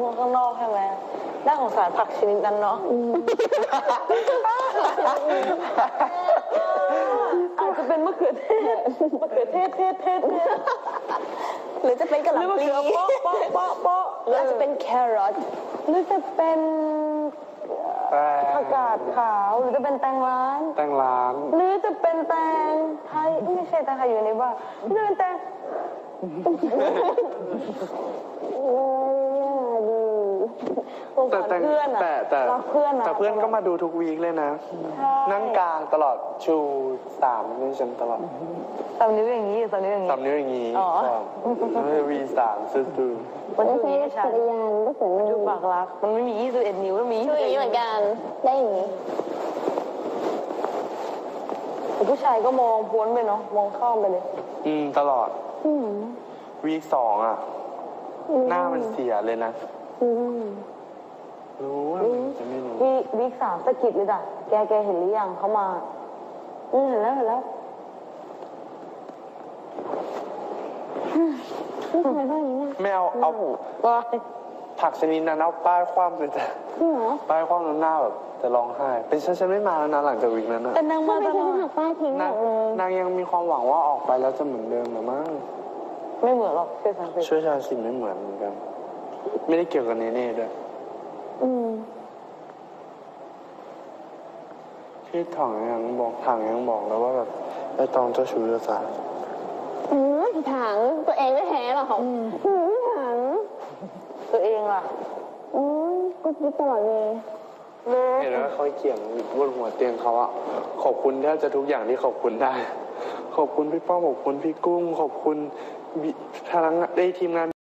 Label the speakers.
Speaker 1: ข้างนอกใช่ไหมน่าสงสารผักชนิดนั้นเนาะอาจจะเป็นมะเขือเทศหรือจะเป็นกะหล่ำปลีหรืออาจจะเป็นแครอทหรือจะเป็นผักกาดขาวหรือจะเป็นแตงร้านหรือจะเป็นแตงไทยไม่ใช่แตงไทยอยู่ในบ้านหรือจะเป็นแตงแต่เพื่อนแต่
Speaker 2: เพื่อนก็มาดูทุกวีคเลยนะนั่งกลางตลอดชู3นิ้วฉันตลอด
Speaker 1: 3 นิ้วอย่างนี้3 นิ้วอย่างนี้
Speaker 2: 3 นิ้วอย่างนี้V3ซื้อ
Speaker 1: มันไม่ใช่จักรยานก็เหมือนดูปากรักมันไม่มี21 นิ้วมันมี21นิ้วเหมือนกันได้อย่างนี้แต่ผู้ชายก็มองพ้นไปเนาะมองข้ามไปเลย
Speaker 2: ตลอดวีค2อ่ะหน้ามันเสียเลยนะรู้ว่าจะไม่รู้
Speaker 1: วีค3สะกิดเลยจ้ะแกเห็นหรือยังเขามาเห็นแล้ว
Speaker 2: ไม่เอาผักชนิดนั้นเอาป้ายคว่ำเลยจ้ะป้ายคว่ำหน้าแบบจะร้องไห้เป็นฉันไม่มาแล้วนะหลังจากวีคนั้นนะ
Speaker 1: แต่นางมาตลอดป้ายทิ้ง
Speaker 2: นางยังมีความหวังว่าออกไปแล้วจะเหมือนเดิมหรือมั้ง
Speaker 1: ไม่เหมือนหรอก
Speaker 2: ช่วยชาสิไม่เหมือนกันไม่ได้เกี่ยวกับเน่ด้วยที่ถังยังบอกแล้วว่าแบบไอ้ตองเจ้าชู้เจ้าสาว
Speaker 1: ถังตัวเองไม่แพ้หรอกถังตัวเองล่ะก็คิดตลอดเลย
Speaker 2: เห็นว่าเขาเขียนบนหัวเตียงเขาอะขอบคุณแทบจะทุกอย่างที่ขอบคุณได้ขอบคุณพี่ป้อมขอบคุณพี่กุ้งขอบคุณทั้งได้ทีมงาน